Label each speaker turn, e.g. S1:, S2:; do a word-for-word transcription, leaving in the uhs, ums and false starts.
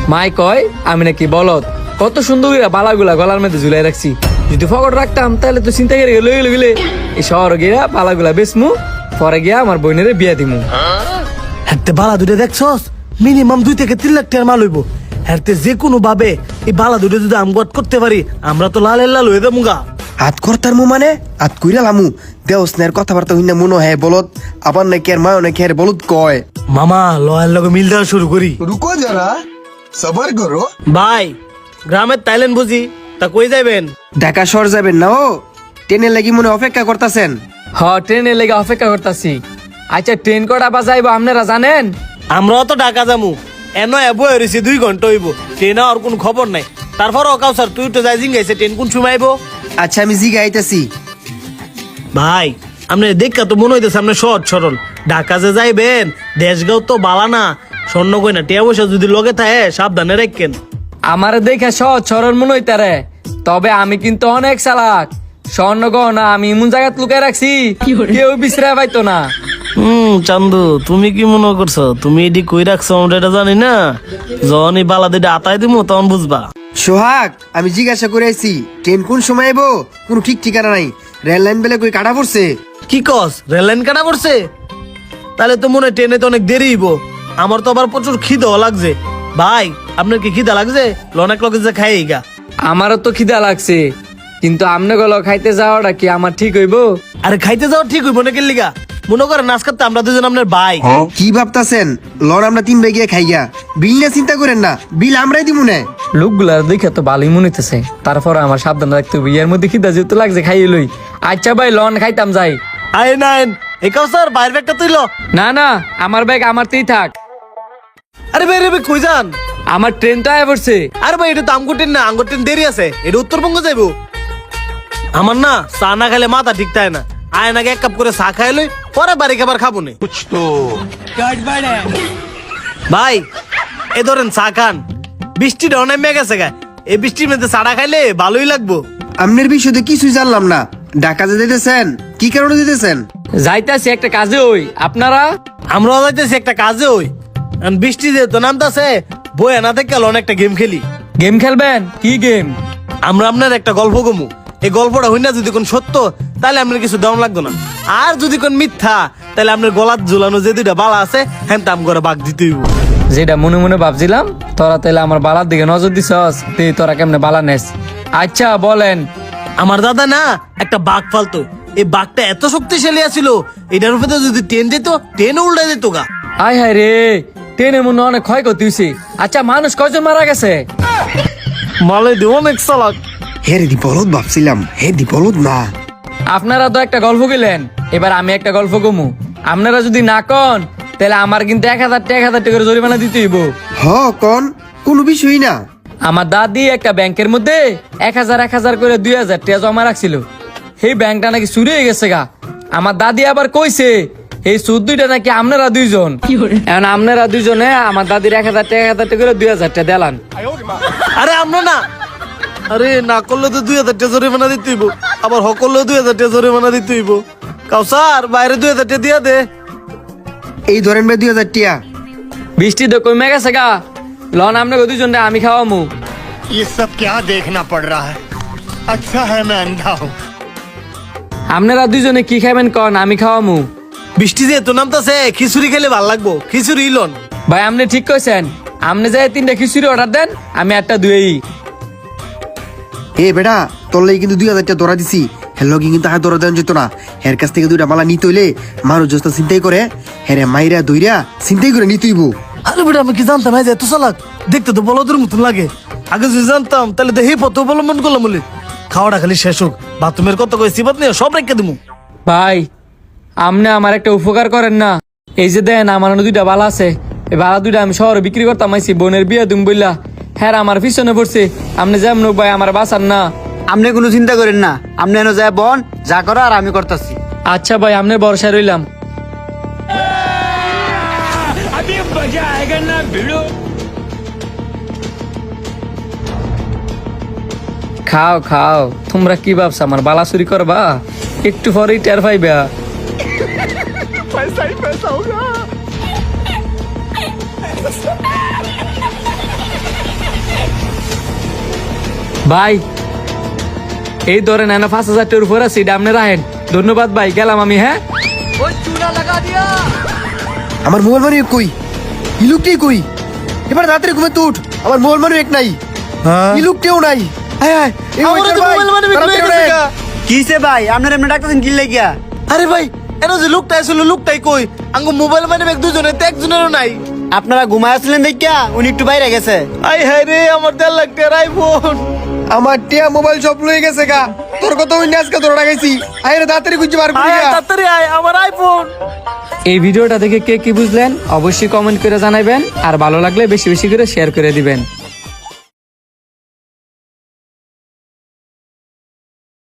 S1: মাই কয় আমি নাকি বলত, কত সুন্দর করে বালাগুলা গলার মধ্যে ঝুলাই রাখছি, যদি ফকট রাখতাম তাহলে তো চিন্তা করে লইলে লইলে এই শহর গিয়া বালাগুলা বেচমু, পরে গিয়া আমার বোনের বিয়া দিমু।
S2: হাতে বালা দুটো দেখছস, মিনিমাম দুই থেকে তিন লাখ টাকার মাল হইব। হাতে যে কোনো ভাবে এই বালা দুটো যদি আমগত করতে পারি, আমরা তো লাল লাল হয়ে যাবো গা।
S3: হাত করতার মু মানে হাত কইরা লামু দেওস নের কথাবার্তা হইনা মনে হয় বলত, আবার নাকি আর মায় নাকি আর বলত কয়।
S2: মামা লয়ের লগে মিল দেওয়া শুরু করি।
S4: रुको जरा सबर करो।
S2: ভাই গ্রামের তাইলেন বুঝি, তা কই যাইবেন?
S3: ঢাকা শহর যাবেন না? ও ট্রেনের লাগি মনে অপেক্ষা করতেছেন?
S1: হ, ট্রেনের লেগে অপেক্ষা করতেছি। আচ্ছা ট্রেন কটা বাজাইবো আপনারা জানেন?
S2: আমরাও তো ঢাকা যামু, এন এবো হয়েছি দুই ঘন্টা হইব, ট্রেন আর কোন খবর নাই। তারপর অকাও স্যার তুই তো যাই জিঙ্গাইছে, ট্রেন কোন সময় আইবো?
S3: আচ্ছা আমি জিগা আইতাছি।
S2: ভাই আপনি দেখা তো মনে হইতেছে আপনি সহজ সরল, ঢাকা যে যাইবেন দেশগাঁও তো বালা না, স্বর্ণ কইনা টিয়া পয়সা যদি লগে থাকে সাবধানে রাখেন।
S1: আমার দেখে সহজ সরল মনে হইতারে, তবে আমি কিন্তু অনেক চালাক। স্বর্ণ গহনা আমি এমন জায়গাত লুকাই রাখছি কেউ বিশ্রায় পাইতো না।
S2: হুম চান্দু, তুমি কি মনে করছো তুমি এটি কই রাখছো আমরা এটা জানি না? যখন এই বালা দুইটা আতাই দিমু তখন বুঝবা।
S3: সোহাগ আমি জিজ্ঞাসা করে আইছি ট্রেন কোন সময় আইবো, কোনো ঠিক ঠিকানা নাই। রেল লাইন বেলে কই কাটা পড়ছে?
S2: কি কস, রেল লাইন কাটা পড়ছে? তাহলে তো মনে হয় ট্রেনে তো অনেক দেরি হইব। আমার তো আবার প্রচুর খিদেও লাগছে। ভাই আপনার কি খিদা লাগছে? লনেক লগে যে খাই গা।
S1: আমারও তো খিদা লাগছে, কিন্তু আমনে গেল খাইতে যাওয়াটা কি আমার ঠিক হইব?
S2: আরে খাইতে যাওয়া ঠিক হইব না কেলিগা? মনে করেন নাচ করতে আমরা দুজন আপনার ভাই।
S3: কি ভাবতাছেন? লন আমরা তিন ভাই গিয়ে খাইয়া বিল না চিন্তা করেন না, বিল আমরাই দিব না।
S1: লোকগুলার দেখে তো ভালোই মনে হইতেছে, তারপর আমার সাবধান রাখতে হবে। এর মধ্যে খিদা যেহেতু লাগছে খাইয়ে লই। আচ্ছা ভাই লন খাইতাম যাই।
S2: আয় নাইন একাও স্যার বাইরের ব্যাগটা তুইল।
S1: না না, আমার ব্যাগ আমারতেই থাক।
S2: আরে ভাই রে ভাই কই যান?
S1: আমার ট্রেন তো আয় পড়ছে।
S2: আরে ভাই এটা তো আমগো ট্রেন না, আমগো ট্রেন দেরি আছে, এটা উত্তরবঙ্গ যাইবো। আমার না চা না খাইলে মাথা ঠিক থাকে না, আয় নাকি এক কাপ করে চা খাই লই, পরে বাড়ি খাবার খাবো নে। ভাই এ ধরেন চা খান, বৃষ্টিটা অনেক মেঘ আছে গা, এই বৃষ্টির মধ্যে চাটা খাইলে ভালোই লাগবো।
S3: আমনের বিষয়ে কিছুই জানলাম না, ঢাকা যে যেতেছেন কি কারণে যেতেছেন?
S1: যাইতাছি একটা কাজে ওই। আপনারা?
S2: আমরাও যাইতেছি একটা কাজে ওই, এখন বৃষ্টি যেহেতু নামতাছে বই না থেকে অনেকটা গেম খেলি।
S1: গেম খেলবেন? কি গেম?
S2: আমরা আপনার একটা গল্প গমু, এই গল্পটা হই না যদি কোন সত্য তাহলে আপনার কিছু দাম লাগতো না, আর যদি কোন মিথ্যা তাহলে আপনার গলাত ঝুলানো যে দুইটা বালা আছে হ্যাঁ তাম করে বাঘ দিতে হইব।
S1: যেটা মনে মনে ভাবছিলাম, তোরা তাইলে আমার বালার দিকে নজর দিছস, তুই তোরা কেমনে বালা নেস? আচ্ছা বলেন।
S2: আমার দাদা না একটা বাঘ ফালতো, এই বাঘটা এত শক্তিশালী আছিল এটার উপরে যদি ট্রেন যেত ট্রেন উল্টে যেত গা।
S1: আয় হায় রে, ট্রেনের মনে অনেক ক্ষয়ক্ষতি হয়েছে। আচ্ছা মানুষ কয়জন মারা গেছে?
S2: মালে দি অনেক চালাক।
S3: হে রে দি বলদ ভাবছিলাম, হে দি বলদ না।
S1: আপনারা তো একটা গল্প গেলেন, এবার আমি একটা গল্প কমু। আপনারা যদি না কন তাহলে আমার কিন্তু এক হাজার টাকা এক হাজার টাকা করে জরিমানা দিতে হইব।
S3: হ কন, কোনো বিষয় না।
S1: আমার দাদি একটা ব্যাংকের মধ্যে এক হাজার এক হাজার করে দুই হাজার টাকা জমা রাখছিল, সেই ব্যাংকটা নাকি চুরি হয়ে গেছে গা। আমার দাদি আবার কইছে এই সুদ দুইটা নাকি আপনারা দুইজন, এখন আপনারা দুইজনে আমার দাদির এক হাজার টাকা এক হাজার টাকা করে দুই হাজার টাকা দেলান।
S2: আরে আমরা না, আরে না করলে তো দুই হাজার টাকা জরিমানা দিতে হইব, আবার হ করলেও দুই হাজার টাকা জরিমানা দিতে হইব। কাউসার বাইরে দুই হাজার টাকা দিয়া দে।
S3: এই ধরেন ভাই দুই হাজার টিয়া।
S1: বৃষ্টি তো কমে গেছে গা, লন আপনাকে দুইজন আমি খাওয়ামু।
S4: ये सब क्या देखना पड़ रहा है? अच्छा है मैं अंधा हूँ।
S1: আপনারা দুইজনে কি খাবেন কন, আমি খাওয়ামু।
S2: বৃষ্টি যেহেতু নামতাছে খিচুড়ি খেলে ভালো লাগবো, খিচুড়ি লন।
S1: ভাই আপনি ঠিক কইছেন, আপনি যাই তিনটা খিচুড়ি অর্ডার দেন, আমি একটা দুই।
S3: এ বেটা তোর লাগি কিন্তু দুই হাজার টাকা ধরা দিছি, হের লগে কিন্তু হাত ধরা দেওয়া যেত না। হের কাছ থেকে দুইটা মালা নিতে হইলে মানুষ যস্তা চিন্তাই করে, হেরে মাইরা দইরা চিন্তাই করে নিতে হইব।
S2: আরে বেটা আমি কি জানতাম এই যে এত চালাক, দেখতে তো বলদের মতন লাগে। আগে যদি জানতাম তাহলে তো এই পথ অবলম্বন করলাম বলে। খাওয়াটা খালি শেষ হোক, বাথরুমের কত কই সিবাত নিয়ে সব রেখে দিমু।
S1: ভাই আপনি আমার একটা উপকার করেন না, এই যে দেন আমার দুইটা বালা আছে, এই বালা দুইটা আমি শহরে বিক্রি করতাম আইছি, বোনের বিয়ে দুম বললা, হ্যাঁ আমার পিছনে পড়ছে। আপনি যেমন হোক ভাই আমার বাঁচান না।
S5: আপনি কোনো চিন্তা করেন না, আপনি এনে যায় বন যা করো আর আমি করতেছি।
S1: আচ্ছা ভাই আপনার ভরসায় রইলাম। খাও খাও, তোমরা কি ভাবছো আমার বালা চুরি করবা? একটু পরেই টের পাইবা।
S4: पैसा ही पैसा होगा।
S1: ভাই এই ধরেন এনে পাঁচ হাজার টাকার উপর আছে এটা আপনি রাখেন। ধন্যবাদ ভাই, গেলাম আমি। হ্যাঁ
S3: আমার মোবাইল মানি কই? ই লোকটি কই? এবার রাত্রে ঘুমে তুট, আমার মোবাইল মানি এক নাই, ই লোকটিও নাই। হ্যাঁ হ্যাঁ, এই
S2: আমারও
S3: ওইটার
S2: তো
S3: ভাই,
S2: মোবাইল মানি
S3: তাড়াতাড়ি
S2: বিক্রি হয়ে
S3: ওঠেন।
S2: গেছে গা।
S5: কিসে ভাই আপনার এমনি ডাক্তার কি লাগিয়া?
S2: আরে ভাই এর যে লোকটা আসলে লোকটাই কই? আঙ্গো মোবাইল মানে ব্যাগ দুজনের তো একজনেরও নাই।
S5: আপনারা ঘুমায় আসলেন দেখিয়া উনি একটু বাইরে গেছে।
S2: আই হায় রে, আমার দেড় লাখ টাকার আইফোন।
S3: আমার টিয়া মোবাইল সব লয়ে গেছে গা। তোর কত ওই আজকে তোরা লাগাইছি। আয় রে তাড়াতাড়ি খুঁজে বার করি
S2: আয় আয়,
S3: গা।
S2: তাড়াতাড়ি আয়, আমার আইফোন।
S1: এই ভিডিওটা দেখে কে কি বুঝলেন অবশ্যই কমেন্ট করে জানাবেন, আর ভালো লাগলে বেশি বেশি করে শেয়ার করে দিবেন।